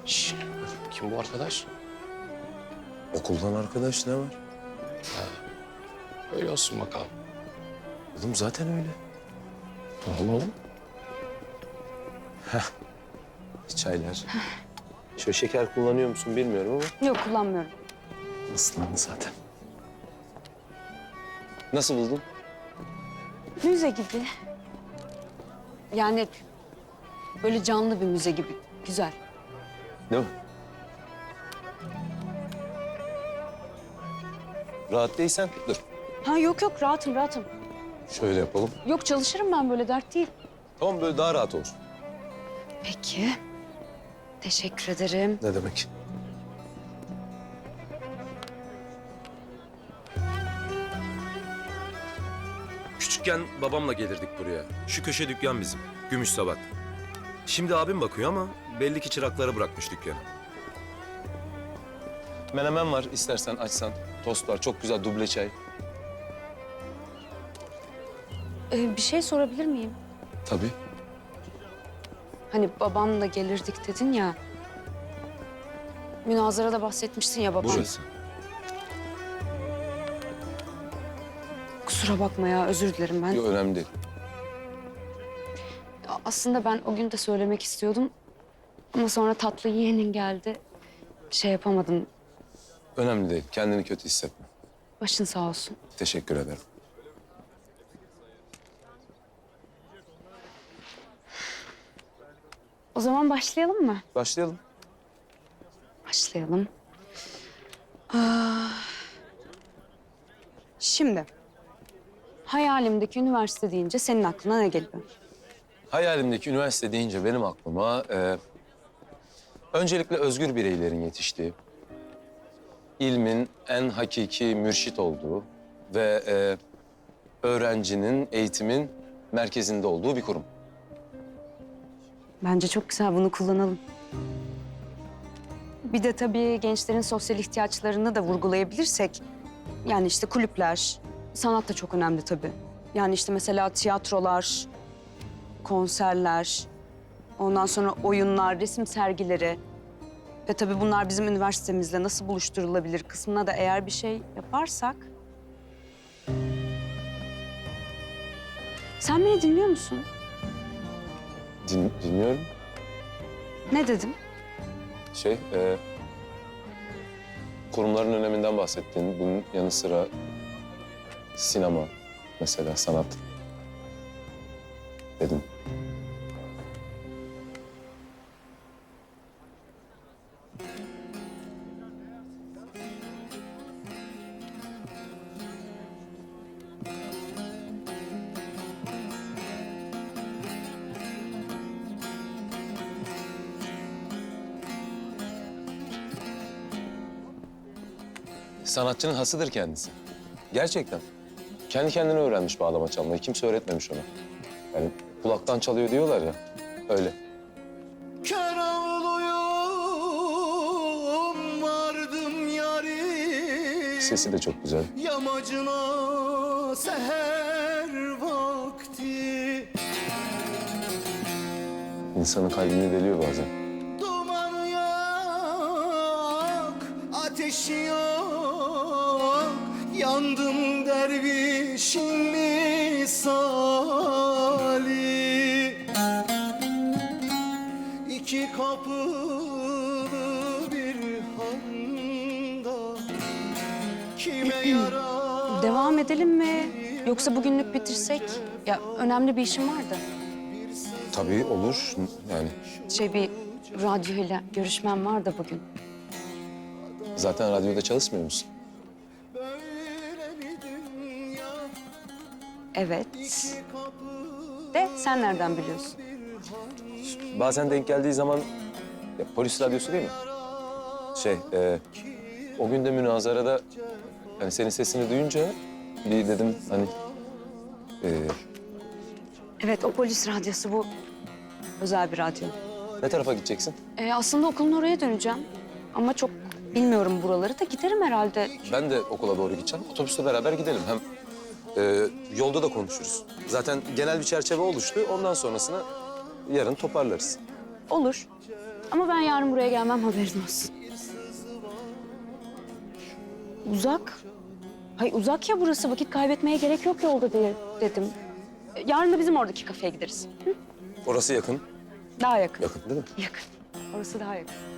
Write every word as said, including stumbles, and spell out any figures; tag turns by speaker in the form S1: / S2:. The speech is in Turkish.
S1: Şş, kim bu arkadaş?
S2: Okuldan arkadaş ne var?
S1: Öyle olsun bakalım.
S2: Oğlum zaten öyle.
S1: Tamam oğlum.
S2: Çaylar. Şöyle şeker kullanıyor musun bilmiyorum ama
S3: Yok, kullanmıyorum.
S2: ıslandı zaten. Nasıl buldun?
S3: Müze gibi. Yani böyle canlı bir müze gibi. Güzel.
S2: Değil mi? Rahat değilsen dur.
S3: Ha yok yok, rahatım rahatım.
S2: Şöyle yapalım.
S3: Yok, çalışırım ben, böyle dert değil.
S2: Tamam böyle daha rahat olur.
S3: Peki. Teşekkür ederim.
S2: Ne demek?
S4: Küçükken babamla gelirdik buraya. Şu köşe dükkan bizim. Gümüş Sabat. Şimdi abim bakıyor ama belli ki çıraklara bırakmış dükkanı.
S2: Menemen var istersen açsan. Tost var çok güzel duble çay.
S3: Ee, bir şey sorabilir miyim?
S2: Tabii.
S3: Hani babamla gelirdik dedin ya. Münazarada bahsetmiştin ya babam.
S2: Burası.
S3: Kusura bakma ya, özür dilerim ben.
S2: Yok önemli değil.
S3: Aslında ben o gün de söylemek istiyordum. Ama sonra tatlı yeğenin geldi. Şey yapamadım.
S2: Önemli değil. Kendini kötü hissetme.
S3: Başın sağ olsun.
S2: Teşekkür ederim.
S3: O zaman başlayalım mı?
S2: Başlayalım.
S3: Başlayalım. Aa, şimdi hayalimdeki üniversite deyince senin aklına ne geliyor?
S2: Hayalimdeki üniversite deyince benim aklıma e, öncelikle özgür bireylerin yetiştiği, ilmin en hakiki mürşit olduğu ve e, öğrencinin, eğitimin merkezinde olduğu bir kurum.
S3: Bence çok güzel, bunu kullanalım. Bir de tabii gençlerin sosyal ihtiyaçlarını da vurgulayabilirsek... Yani işte kulüpler, sanat da çok önemli tabii. Yani işte mesela tiyatrolar, konserler, ondan sonra oyunlar, resim sergileri. Ve tabii bunlar bizim üniversitemizle nasıl buluşturulabilir kısmına da eğer bir şey yaparsak... Sen beni dinliyor musun?
S2: Din, dinliyorum.
S3: Ne dedim?
S2: Şey, e, kurumların öneminden bahsettin. Bunun yanı sıra sinema mesela, sanat dedim. Sanatçının hasıdır kendisi. Gerçekten. Kendi kendine öğrenmiş bağlama çalmayı. Kimse öğretmemiş ona. Yani kulaktan çalıyor diyorlar ya. Öyle.
S5: Kör oğluyum vardım yarim
S2: Sesi de çok güzel.
S5: Yamacına seher vakti
S2: İnsanın kalbini deliyor bazen.
S5: Duman yak, ateş yok Yandım dervişin misali İki kapılı bir handa Kime yarar
S3: Devam edelim mi? Yoksa bugünlük bitirsek? Ya önemli bir işim vardı.
S2: Tabii olur. Yani
S3: Şey, bir radyoyla görüşmem var da bugün.
S2: zaten radyoda çalışmıyor musun?
S5: böyle mi dünya
S3: Evet. De sen nereden biliyorsun?
S2: Bazen denk geldiği zaman ya, polis radyosu değil mi? Şey, e, o gün de münazarada hani senin sesini duyunca bir dedim hani e,
S3: Evet, o polis radyosu bu. Özel bir radyo.
S2: ne tarafa gideceksin?
S3: Ee, aslında okulun oraya döneceğim. Ama çok bilmiyorum buraları da, giderim herhalde.
S2: Ben de okula doğru gideceğim. Otobüsle beraber gidelim. Hem e, yolda da konuşuruz. Zaten genel bir çerçeve oluştu. Ondan sonrasını yarın toparlarız.
S3: Olur. Ama ben yarın buraya gelmem, haberin olsun. Uzak. Hay uzak ya burası, vakit kaybetmeye gerek yok yolda diye dedim. Yarın da bizim oradaki kafeye gideriz. Hı?
S2: Orası yakın.
S3: Daha yakın.
S2: Yakın değil mi?
S3: Yakın. Orası daha yakın.